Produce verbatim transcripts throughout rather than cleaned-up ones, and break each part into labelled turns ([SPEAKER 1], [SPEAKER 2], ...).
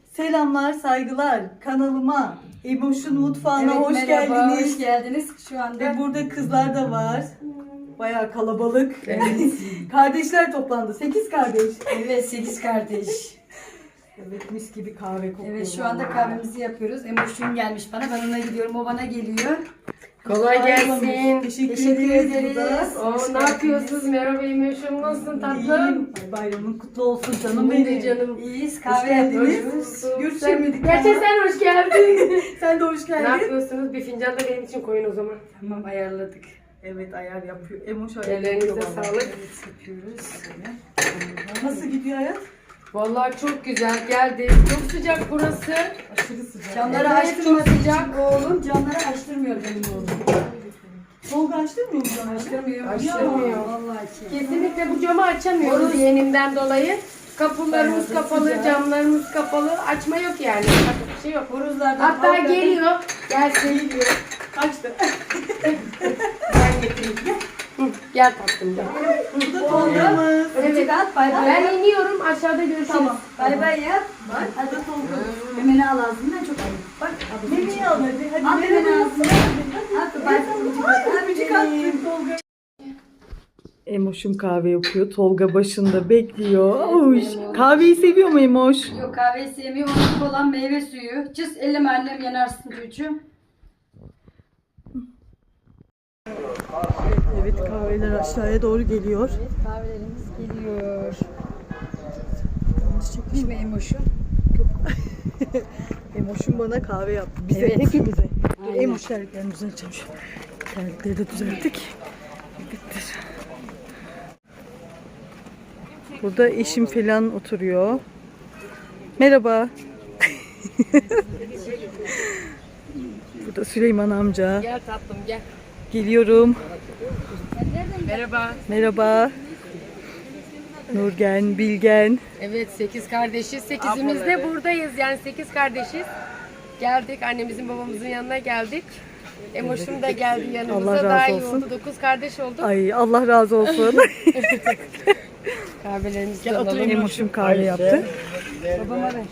[SPEAKER 1] Selamlar, saygılar. Kanalıma, Emoş'un mutfağına
[SPEAKER 2] Evet,
[SPEAKER 1] hoş
[SPEAKER 2] merhaba,
[SPEAKER 1] geldiniz.
[SPEAKER 2] hoş geldiniz. Şu anda
[SPEAKER 1] Ve burada kızlar da var. Bayağı kalabalık. Kardeşler toplandı. Sekiz kardeş.
[SPEAKER 2] evet sekiz kardeş.
[SPEAKER 1] Evet, mis gibi kahve kokuyor.
[SPEAKER 2] Evet şu anda kahvemizi yapıyoruz. Emoş'un gelmiş bana. Ben ona gidiyorum. O bana geliyor.
[SPEAKER 3] Kolay gelsin.
[SPEAKER 1] Teşekkür,
[SPEAKER 2] Teşekkür
[SPEAKER 1] ederiz.
[SPEAKER 2] ederiz.
[SPEAKER 1] Burada.
[SPEAKER 3] Oo, ne yapıyorsunuz? Merhaba Emoş'um, nasılsın tatlım?
[SPEAKER 1] İyiyim. Ay, bayramın kutlu olsun canım
[SPEAKER 3] Benim
[SPEAKER 1] benim.
[SPEAKER 3] de canım.
[SPEAKER 2] İyiyiz.
[SPEAKER 1] Hoş
[SPEAKER 2] Kahve
[SPEAKER 1] geldiniz.
[SPEAKER 2] yapıyoruz.
[SPEAKER 1] Görüşemedik.
[SPEAKER 3] Gerçi sen hoş geldin.
[SPEAKER 1] Sen de hoş
[SPEAKER 3] Ne
[SPEAKER 1] geldin.
[SPEAKER 3] yapıyorsunuz? Bir fincan da benim için koyun o zaman.
[SPEAKER 2] Tamam ayarladık.
[SPEAKER 1] Evet, ayar yapıyor. Emoş ayar
[SPEAKER 3] Ellerinize
[SPEAKER 1] yapıyor vallahi.
[SPEAKER 3] sağlık.
[SPEAKER 2] Evet yapıyoruz.
[SPEAKER 1] Nasıl gidiyor hayat?
[SPEAKER 3] Vallahi çok güzel geldi. Çok sıcak burası.
[SPEAKER 1] Aşırı sıcak.
[SPEAKER 2] Camları
[SPEAKER 3] Evet,
[SPEAKER 2] açtırmadığı
[SPEAKER 3] çok
[SPEAKER 2] için
[SPEAKER 3] sıcak.
[SPEAKER 2] oğlum camları açtırmıyor benim oğlum.
[SPEAKER 1] Tolga açtırmıyor mu sana?
[SPEAKER 2] Açtırmıyor.
[SPEAKER 3] Açtırmıyor.
[SPEAKER 2] Ya, vallahi ki.
[SPEAKER 3] Kesinlikle bu camı açamıyoruz yeğenimden dolayı. Kapılarımız
[SPEAKER 2] Bayağı
[SPEAKER 3] kapalı,
[SPEAKER 2] sıcak.
[SPEAKER 3] camlarımız kapalı. Açma yok yani. Başka bir şey yok.
[SPEAKER 2] Horozlardan
[SPEAKER 3] Hatta
[SPEAKER 2] avladım.
[SPEAKER 3] geliyor. Gelsin. Geliyor.
[SPEAKER 1] Kaçtı.
[SPEAKER 3] Ben getireyim. Hı, gel tatlım gel.
[SPEAKER 1] Bu da Tolga'mız.
[SPEAKER 2] Evet. At, bay bay
[SPEAKER 3] Ben
[SPEAKER 2] yap.
[SPEAKER 3] iniyorum, aşağıda görüşürüz.
[SPEAKER 2] Tamam. Bay bay yap.
[SPEAKER 1] Bak, hadi Tolga.
[SPEAKER 2] Memeni al ağzından çok ayıp. Bak.
[SPEAKER 1] Memeni al hadi. Hadi
[SPEAKER 2] Al
[SPEAKER 1] memeni
[SPEAKER 2] memeni
[SPEAKER 1] al.
[SPEAKER 2] ağzından. At bay bay.
[SPEAKER 1] Öpücük attım Tolga. Emoş'um kahve yapıyor. Tolga başında bekliyor. Oy. Kahveyi seviyor mu Emoş?
[SPEAKER 2] Yok kahveyi sevmiyor. Onun olan meyve suyu. Cız elleme annem yanarsın çocuğum.
[SPEAKER 1] Evet, kahveler aşağıya doğru geliyor.
[SPEAKER 2] Evet kahvelerimiz geliyor. Çıkmış mı Emoş'u?
[SPEAKER 1] Emoş'um bana kahve yaptı. Bize,
[SPEAKER 2] Evet.
[SPEAKER 1] hepimize.
[SPEAKER 2] Aynen.
[SPEAKER 1] Emoş terliklerini düzelteceğim şu. Terlikleri de düzelttik. Bittir. Burada eşim falan oturuyor. Merhaba. Burada Süleyman amca.
[SPEAKER 3] Gel tatlım gel.
[SPEAKER 1] Geliyorum.
[SPEAKER 3] Merhaba.
[SPEAKER 1] Merhaba. Nurgen, Bilgen.
[SPEAKER 3] Evet sekiz kardeşiz. Sekizimiz de buradayız. Yani sekiz kardeşiz. Geldik annemizin babamızın yanına geldik. Emoş'um da geldi yanımıza.
[SPEAKER 1] Allah razı
[SPEAKER 3] Daha iyi
[SPEAKER 1] olsun.
[SPEAKER 3] oldu. Dokuz kardeş olduk.
[SPEAKER 1] Ay, Allah razı olsun.
[SPEAKER 3] Kahvelerimizi de alalım.
[SPEAKER 1] Emoş'um kahve yaptı.
[SPEAKER 2] Babama ver.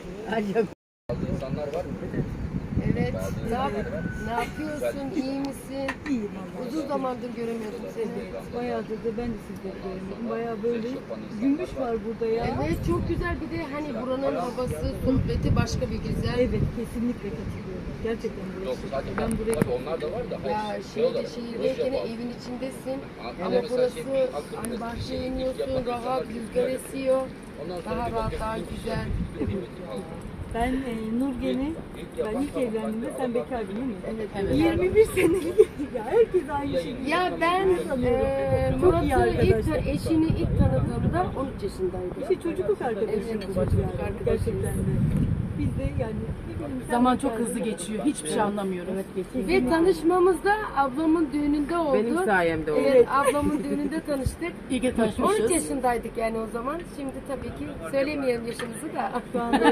[SPEAKER 3] Evet. Ne, yap ne yapıyorsun? İyi misin?
[SPEAKER 1] İyiyim
[SPEAKER 3] Uzun zamandır göremiyordum seni.
[SPEAKER 1] Bayağıdır da ben de sizleri görmedim. Bayağı böyle gümüş var burada ya.
[SPEAKER 3] Evet çok güzel. Bir de hani buranın havası, sohbeti başka bir güzel.
[SPEAKER 1] Evet, kesinlikle katılıyorum. Gerçekten burası. Ben buraya
[SPEAKER 4] Onlar da var da.
[SPEAKER 3] Ya şeyde, şehirdeyken evin içindesin ama burası hani bahçeye iniyorsun, rahat, rüzgar esiyor. Daha rahat, daha güzel.
[SPEAKER 1] Ben e, Nurgen'i, ben ilk evlendiğimde sen bekardın değil mi?
[SPEAKER 3] Evet, evet.
[SPEAKER 1] yirmi bir senelik. Ya herkes aynı şey.
[SPEAKER 3] Ya ben eee
[SPEAKER 1] Çok iyi
[SPEAKER 3] Murat'ı ilk,
[SPEAKER 1] arkadaşlar.
[SPEAKER 3] eşini ilk tanıdığımda on üç yaşındaydı.
[SPEAKER 1] İşte çocukluk arkadaşımız
[SPEAKER 3] Evet,
[SPEAKER 1] yani.
[SPEAKER 3] çocukluk arkadaşımız.
[SPEAKER 1] Gerçekten de. Biz de yani ne bileyim, sen
[SPEAKER 5] Zaman çok
[SPEAKER 1] bekardın.
[SPEAKER 5] hızlı geçiyor. Hiçbir şey anlamıyorum.
[SPEAKER 3] Ve tanışmamız da ablamın düğününde oldu.
[SPEAKER 5] Benim sayemde oldu.
[SPEAKER 3] Evet, ablamın düğününde tanıştık.
[SPEAKER 5] İyi ki
[SPEAKER 3] on üç
[SPEAKER 5] tanışmışız.
[SPEAKER 3] yaşındaydık yani o zaman. Şimdi tabii ki söylemeyelim yaşımızı da.
[SPEAKER 1] Şu anda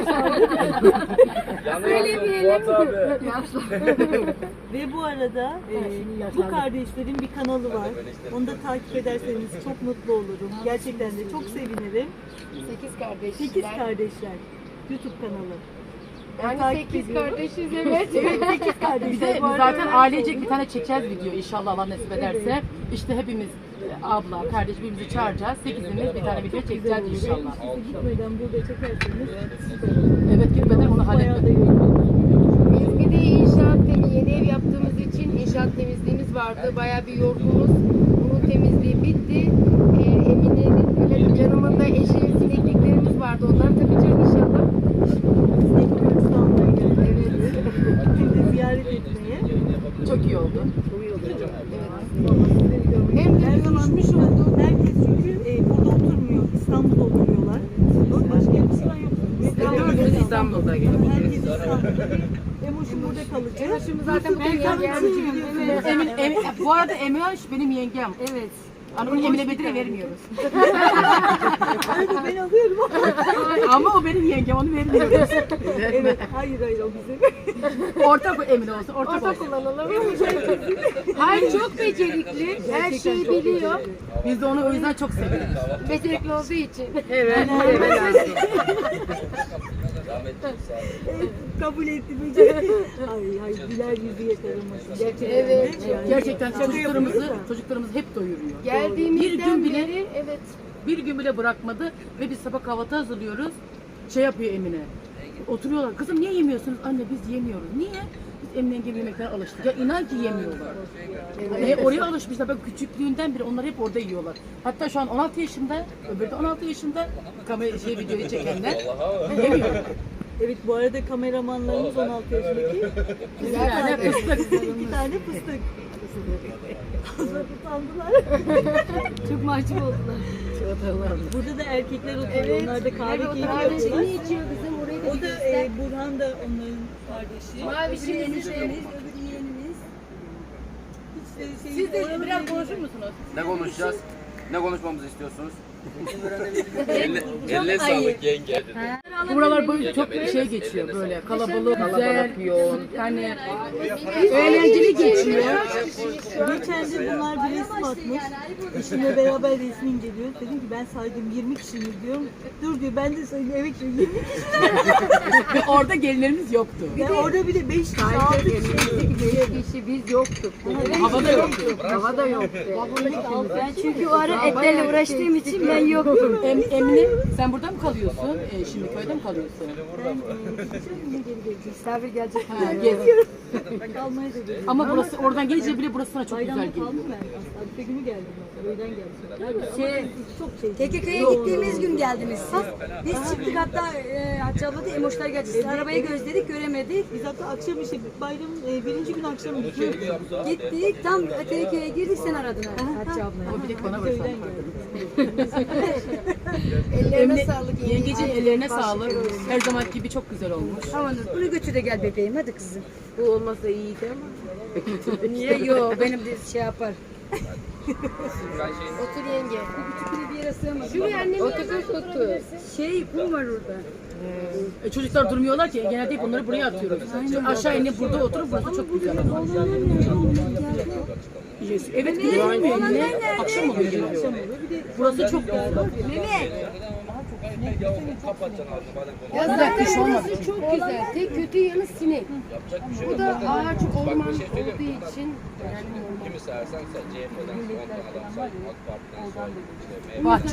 [SPEAKER 3] Söylemeyelim.
[SPEAKER 1] Ve bu arada e, bu kardeşlerin bir kanalı var. Onu da takip ederseniz çok mutlu olurum. Gerçekten de çok sevinirim.
[SPEAKER 3] Sekiz kardeşler.
[SPEAKER 1] Sekiz kardeşler. YouTube kanalı. Ben
[SPEAKER 3] Yani
[SPEAKER 1] takip
[SPEAKER 3] sekiz
[SPEAKER 1] ediyorum.
[SPEAKER 3] kardeşiz evet.
[SPEAKER 1] Evet, sekiz
[SPEAKER 5] Bir
[SPEAKER 1] kardeşler.
[SPEAKER 5] de
[SPEAKER 1] Bu arada
[SPEAKER 5] zaten
[SPEAKER 1] öğrenci
[SPEAKER 5] ailecek
[SPEAKER 1] oldum.
[SPEAKER 5] bir tane çekeceğiz video inşallah Allah nasip ederse. İşte hepimiz e, abla, kardeş birbirimizi çağıracağız. Sekizimiz bir tane video çekeceğiz inşallah.
[SPEAKER 1] Siz gitmeden burada çekerseniz
[SPEAKER 5] Evet gitmeden onu
[SPEAKER 1] bayağı da
[SPEAKER 5] halletmek.
[SPEAKER 1] yorulur.
[SPEAKER 3] Biz bir de inşaat temi- yeni ev yaptığımız için inşaat temizliğimiz vardı. Bayağı bir yorgunuz. Bunun temizliği bitti. Ee, Emine'nin yanımında eşi sinekliklerimiz vardı. Onları takacağız inşallah.
[SPEAKER 1] Sinek görüntüsü almaya geldim.
[SPEAKER 3] Evet.
[SPEAKER 1] Şimdi ziyaret etmeye.
[SPEAKER 5] Çok iyi oldu.
[SPEAKER 1] Vallahi sizleri görmek.
[SPEAKER 3] Hem de
[SPEAKER 1] Her zaman
[SPEAKER 3] görüşmüş olduk.
[SPEAKER 1] herkes çünkü e, burada oturmuyor. İstanbul'da oturuyorlar. Başka yer falan yok.
[SPEAKER 5] Dördümüz İstanbul'da
[SPEAKER 1] Herkes İstanbul'da. Emoş'um burada kalacak.
[SPEAKER 3] Emoş'um zaten buraya geldi.
[SPEAKER 1] Evet.
[SPEAKER 5] Emin, Emin, bu arada Emine benim yengem.
[SPEAKER 3] Evet.
[SPEAKER 5] Hani onu Emine Bedir'e vermiyoruz.
[SPEAKER 1] Öyle ben alıyorum.
[SPEAKER 5] Ama o benim yengem, onu vermiyoruz.
[SPEAKER 1] Evet. Hayır hayır o bizim.
[SPEAKER 5] Ortak o Emine olsun, ortak,
[SPEAKER 3] Ortak
[SPEAKER 5] olsun.
[SPEAKER 3] kullanalım. Hayır çok becerikli. Her şeyi biliyor.
[SPEAKER 5] Biz de onu o yüzden çok seviyoruz.
[SPEAKER 3] Becerikli olduğu için.
[SPEAKER 5] Evet, evet.
[SPEAKER 1] Evet, kabul ettim. Ay ay güler yüzü yakalamasın. Gerçekten.
[SPEAKER 3] Evet,
[SPEAKER 1] de yani.
[SPEAKER 5] Gerçekten
[SPEAKER 1] Şaka
[SPEAKER 5] çocuklarımızı
[SPEAKER 1] yapıyoruz da.
[SPEAKER 5] çocuklarımızı hep doyuruyor. Bir
[SPEAKER 3] Geldiğimizden
[SPEAKER 5] gün bile
[SPEAKER 3] beri evet.
[SPEAKER 5] bir gün bile bırakmadı ve biz sabah kahvaltı hazırlıyoruz. Şey yapıyor Emine. Oturuyorlar. Kızım niye yemiyorsunuz? Anne biz yemiyoruz. Niye? Biz Emine gibi yemekten alıştık. Ya inan ki yemiyorlar. E, oraya alışmışlar. Ben küçüklüğünden beri onlar hep orada yiyorlar. Hatta şu an on altı yaşında, öbürü de on altı yaşında kamera şey videoyu çekenler yemiyor.
[SPEAKER 1] Evet bu arada kameramanlarımız on altı yaşındaki.
[SPEAKER 5] Bir tane fıstık.
[SPEAKER 1] İki tane fıstık. Fazla utandılar.
[SPEAKER 2] Çok mahcup oldular.
[SPEAKER 1] Burada da erkekler oturuyor. Onlar da kahve
[SPEAKER 3] Evet,
[SPEAKER 1] keyfi
[SPEAKER 3] kahve
[SPEAKER 1] yapıyorlar.
[SPEAKER 3] içiyor kızım orayı da
[SPEAKER 1] O
[SPEAKER 3] bir
[SPEAKER 1] da
[SPEAKER 3] göster.
[SPEAKER 1] e, Burhan da onların kardeşi.
[SPEAKER 3] Mavişimiz de
[SPEAKER 1] Hiç de şey,
[SPEAKER 5] Siz de
[SPEAKER 1] oralı
[SPEAKER 5] biraz
[SPEAKER 1] değil.
[SPEAKER 5] konuşur musunuz?
[SPEAKER 4] Ne konuşacağız? Ne konuşmamızı istiyorsunuz?
[SPEAKER 6] Eline, eline sağlık yenge.
[SPEAKER 5] Buralar böyle çok şey geçiyor böyle kalabalık, güzel, yoğun. Yani eğlenceli geçiyor.
[SPEAKER 1] Geçen de bunlar bir resim atmış. Eşimle beraber resmi inceliyoruz. Dedim ki ben saydım yirmi kişi mi diyorum. Dur diyor ben de saydım evet diyor yirmi kişi.
[SPEAKER 5] Ve orada gelinlerimiz yoktu.
[SPEAKER 1] Ve orada bir de beş kişi altı kişi.
[SPEAKER 3] kişi biz yoktuk.
[SPEAKER 5] Havada yoktu.
[SPEAKER 3] Hava da yoktu.
[SPEAKER 2] Ben çünkü o ara etlerle uğraştığım için ben yoktum.
[SPEAKER 5] Em, Emine sen burada mı kalıyorsun? E, şimdi köyde mi kalıyorsun?
[SPEAKER 2] Misafir gelecek.
[SPEAKER 5] Ha, gez.
[SPEAKER 1] Kalmaya da geliyorum.
[SPEAKER 5] Ama burası oradan gelince bile burası sana çok güzel
[SPEAKER 1] Bayramda
[SPEAKER 5] geliyor.
[SPEAKER 1] kaldım ben. Aslında Arife günü geldim ben. Öğlen geldim.
[SPEAKER 2] Şey,
[SPEAKER 1] Çok şey.
[SPEAKER 2] T K K'ya gittiğimiz gün geldiniz siz. Biz çıktık hatta e, Hatice abla da Emoşlar geldi. Siz arabayı gözledik göremedik.
[SPEAKER 1] Biz hatta akşam işte bayramın e, birinci gün akşam gittik.
[SPEAKER 2] Gittik tam T K K'ya girdik sen aradın Hatice abla.
[SPEAKER 5] Ama bir de bana bırak.
[SPEAKER 3] Ellerine
[SPEAKER 5] Emine,
[SPEAKER 3] sağlık.
[SPEAKER 5] yengeciğin ellerine sağlık. Her zaman gibi çok güzel olmuş.
[SPEAKER 2] Tamam bunu götür de gel bebeğim hadi kızım.
[SPEAKER 3] Bu olmasa iyiydi ama.
[SPEAKER 2] Niye yok benim de şey yapar.
[SPEAKER 3] Otur yenge.
[SPEAKER 2] Bu küçük bir yere sığamadı.
[SPEAKER 3] Şuraya annemin otur otur.
[SPEAKER 2] Şey kum var orada.
[SPEAKER 5] E, çocuklar durmuyorlar ki genelde hep onları buraya atıyoruz. Çünkü aşağı inip burada oturup burası çok güzel. Yes. Evet gidiyor Emine. Akşam oluyor geliyor. Burası çok güzel.
[SPEAKER 2] Mehmet.
[SPEAKER 3] Ya
[SPEAKER 5] Güzel,
[SPEAKER 3] zaten
[SPEAKER 5] kış olmadı
[SPEAKER 3] burası çok güzel. Tek kötü yanı sinek. Bu da ağaç orman olduğu için.
[SPEAKER 6] Kimi sayarsan say. C H P'den on tane adam say. AK Parti'den say. İşte
[SPEAKER 5] Bahçe.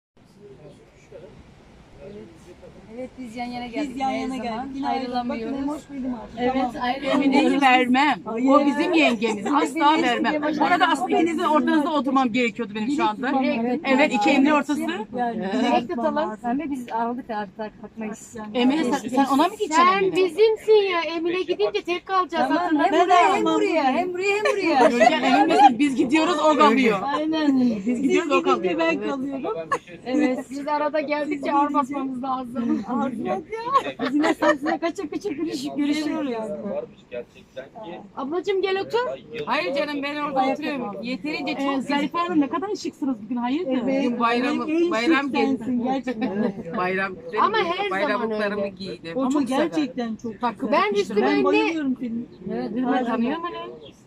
[SPEAKER 2] Evet biz yan yana geldik.
[SPEAKER 1] Biz yan
[SPEAKER 2] her
[SPEAKER 1] yana
[SPEAKER 2] zaman.
[SPEAKER 1] geldik. Yine ayrılamıyoruz. Bakın
[SPEAKER 2] Ayrılamıyoruz.
[SPEAKER 1] Emoş benim artık.
[SPEAKER 2] Evet
[SPEAKER 5] Emine'yi vermem.
[SPEAKER 1] Hayır.
[SPEAKER 5] O bizim yengemiz. Asla vermem. Orada aslında ikinizin ortanızda oturmam gerekiyordu benim şu anda. Evet, iki Emine ortası.
[SPEAKER 1] Yani
[SPEAKER 2] Direkt tutalım. Sen de biz aldık artık takmayız.
[SPEAKER 5] Emine sen, sen ona mı gideceksin?
[SPEAKER 3] Sen
[SPEAKER 5] Emine?
[SPEAKER 3] bizimsin ya. Emine gidince tek kalacağız.
[SPEAKER 2] Tamam
[SPEAKER 3] Hatırla.
[SPEAKER 2] hem buraya hem buraya hem buraya hem buraya.
[SPEAKER 5] Görken emin misin? Biz gidiyoruz o kalıyor.
[SPEAKER 1] Aynen.
[SPEAKER 5] Biz
[SPEAKER 1] Siz
[SPEAKER 5] gidiyoruz o
[SPEAKER 1] gidince
[SPEAKER 5] kalıyor.
[SPEAKER 1] ben kalıyorum.
[SPEAKER 3] Evet. Biz arada geldikçe ağır basmamız lazım.
[SPEAKER 2] Biz yine sensize kaça kaça görüş, görüşüyoruz.
[SPEAKER 6] varmış gerçekten ki.
[SPEAKER 3] Ablacığım gel otur.
[SPEAKER 7] Hayır canım ben orada oturuyorum. Yeterince
[SPEAKER 5] Ee,
[SPEAKER 7] çok
[SPEAKER 5] Zarife Hanım ne kadar şıksınız bugün hayırdır?
[SPEAKER 7] Bugün bayram,
[SPEAKER 1] En
[SPEAKER 7] bayram
[SPEAKER 1] şık sensin
[SPEAKER 7] gezdim.
[SPEAKER 1] gerçekten.
[SPEAKER 7] Bayram
[SPEAKER 3] Ama her zaman
[SPEAKER 7] bayramlıklarımı
[SPEAKER 3] öyle.
[SPEAKER 7] giydim.
[SPEAKER 1] O çok
[SPEAKER 5] güzel.
[SPEAKER 1] gerçekten çok güzel.
[SPEAKER 3] Ben üstüme
[SPEAKER 1] Ben
[SPEAKER 3] ne?
[SPEAKER 1] bayılıyorum senin.
[SPEAKER 5] Ben tanıyorum hani.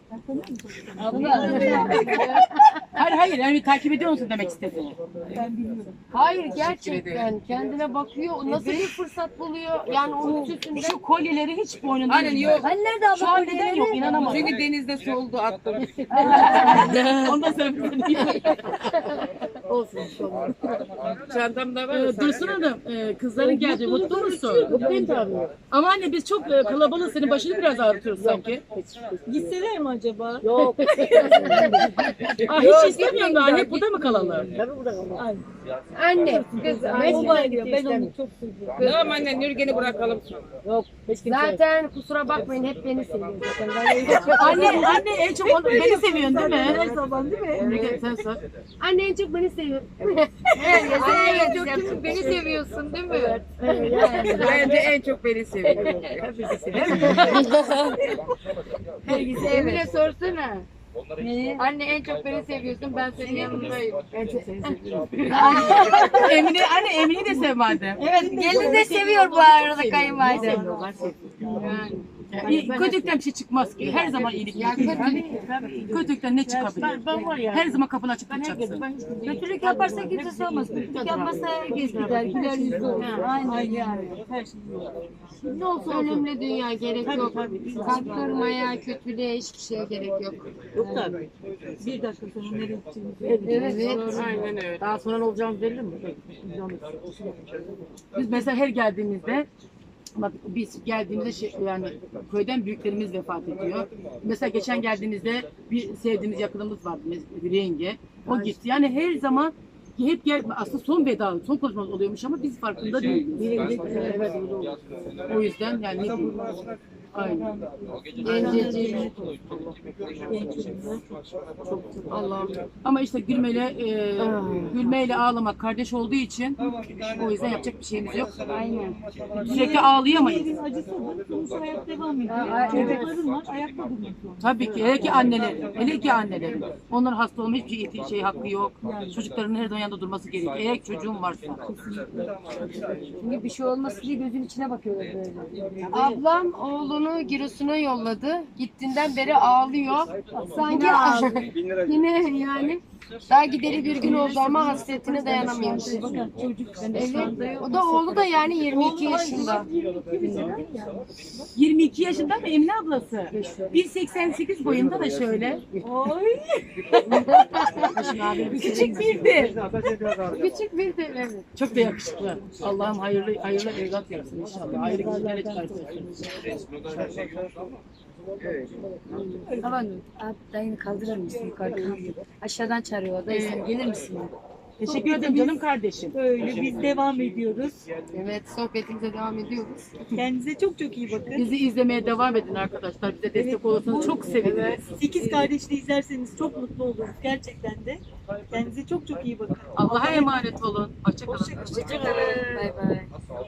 [SPEAKER 5] Hayır hayır yani takip ediyor musun demek istediğini.
[SPEAKER 3] Hayır gerçekten kendine bakıyor. Nasıl bir fırsat buluyor? Yani onun üstünde.
[SPEAKER 5] Şu kolyeleri hiç boynunda
[SPEAKER 7] Aynen
[SPEAKER 5] değil.
[SPEAKER 7] yok.
[SPEAKER 2] Hani nerede abla?
[SPEAKER 5] Şu an neden yok inanamadım.
[SPEAKER 7] Çünkü denizde soldu attım.
[SPEAKER 5] Ondan sonra bir
[SPEAKER 7] Olsun. Çantamda var.
[SPEAKER 5] Ee, Dursun Hanım, e, kızların geldi. Mutlu musun? Mutluyum tabii. Ama anne biz çok e, kalabalık. Senin başını biraz ağrıtıyoruz sanki.
[SPEAKER 1] Gitseler mi acaba?
[SPEAKER 5] Aa, hiç istemiyorum da anne burada mı kalalım?
[SPEAKER 3] Anne, kız,
[SPEAKER 1] O bayılıyor. Ben onu çok seviyorum.
[SPEAKER 7] Tamam anne Nürgen'i bırakalım.
[SPEAKER 3] zaten kusura bakmayın hep beni seviyor zaten. Ben
[SPEAKER 5] Anne, anne en çok onu, beni seviyorsun değil
[SPEAKER 1] Her
[SPEAKER 5] mi?
[SPEAKER 1] zaman değil mi?
[SPEAKER 5] Emre, sen sor.
[SPEAKER 3] Anne en çok beni seviyor. Anne en çok beni seviyorsun değil mi?
[SPEAKER 7] Bence en çok beni seviyor.
[SPEAKER 3] Emine sorsana. Anne en çok beni seviyorsun, ben senin yanındayım.
[SPEAKER 5] Emine, anne Emine'yi de sev madem.
[SPEAKER 2] Evet gelin de seviyor bu arada kayınvalide.
[SPEAKER 5] Yani. İyi, kötülükten bir şey çıkmaz ki. Her zaman iyilik.
[SPEAKER 3] Ya
[SPEAKER 5] yapıyor.
[SPEAKER 3] kötülük,
[SPEAKER 5] Kötülükten ne çıkabilir? Her zaman kapını açıp tutacaksın.
[SPEAKER 2] Kötülük yaparsa kimse sormaz. Kötülük yapmazsa herkes gider. Güler yüzlü olur. Aynen yani.
[SPEAKER 1] Her şey yok.
[SPEAKER 3] ne olsa ölümle dünya gerek yok. Kalp kırmaya, kötülüğe hiçbir şeye gerek yok.
[SPEAKER 1] Yok tabii. Bir dakika sonra nereye gideceğimizi
[SPEAKER 3] Evet.
[SPEAKER 7] Aynen öyle.
[SPEAKER 5] Daha sonra ne olacağımız belli mi? Biz mesela her geldiğimizde bak biz geldiğimizde şey, yani köyden büyüklerimiz vefat ediyor. Mesela geçen geldiğimizde bir sevdiğimiz yakınımız vardı, bir yenge. O gitti. Yani her zaman hep gel, aslında son veda, son konuşmamız oluyormuş ama biz farkında değiliz. Evet, öyle oluyor. O yüzden yani ne diyeyim? Aynen.
[SPEAKER 3] Gencecik. Allah'ım.
[SPEAKER 5] Ama işte gülmeyle e, gülmeyle ağlamak kardeş olduğu için o yüzden yapacak bir şeyimiz yok.
[SPEAKER 2] Aynen.
[SPEAKER 5] Sürekli ağlayamayız.
[SPEAKER 1] Evin acısı da sonuçta hayat devam ediyor. Çocukların var, ayakta durmak zorunda.
[SPEAKER 5] Tabii ki. Hele ki annelerin. Hele ki annelerin. Onların hasta olma hiçbir şey hakkı yok. Çocukların her zaman yanında durması gerekiyor. Eğer çocuğun varsa.
[SPEAKER 2] Çünkü bir şey olmasın diye gözün içine bakıyorlar böyle.
[SPEAKER 3] Ablam oğlunu Giresun'a yolladı. Gittiğinden beri ağlıyor. Sanki yine yani daha gideri bir gün oldu ama hasretine dayanamıyormuş. Evet. O da oğlu da yani yirmi iki yaşında.
[SPEAKER 5] yirmi iki yaşında mı Emine ablası? bir seksen sekiz boyunda da şöyle. Oy. Küçük bir de.
[SPEAKER 3] Küçük bir de evet.
[SPEAKER 5] Çok da yakışıklı. Allah'ım hayırlı hayırlı evlat yapsın inşallah. Hayırlı kişilerle çıkarsın.
[SPEAKER 2] Tamam. Abi dayını kaldırır mısın yukarıdan? Aşağıdan çağırıyor. Dayı sen gelir misin?
[SPEAKER 5] Teşekkür ederim canım kardeşim.
[SPEAKER 1] Böyle biz devam ediyoruz.
[SPEAKER 3] Evet sohbetimize devam ediyoruz.
[SPEAKER 1] Kendinize çok çok iyi bakın.
[SPEAKER 5] Bizi izlemeye devam edin arkadaşlar. Bize destek olursanız çok seviniriz.
[SPEAKER 1] Sekiz kardeşli izlerseniz çok mutlu oluruz gerçekten de. Kendinize çok çok iyi bakın.
[SPEAKER 5] Allah'a emanet olun. Hoşça kalın.
[SPEAKER 1] Hoşçakalın.
[SPEAKER 2] Bay bay.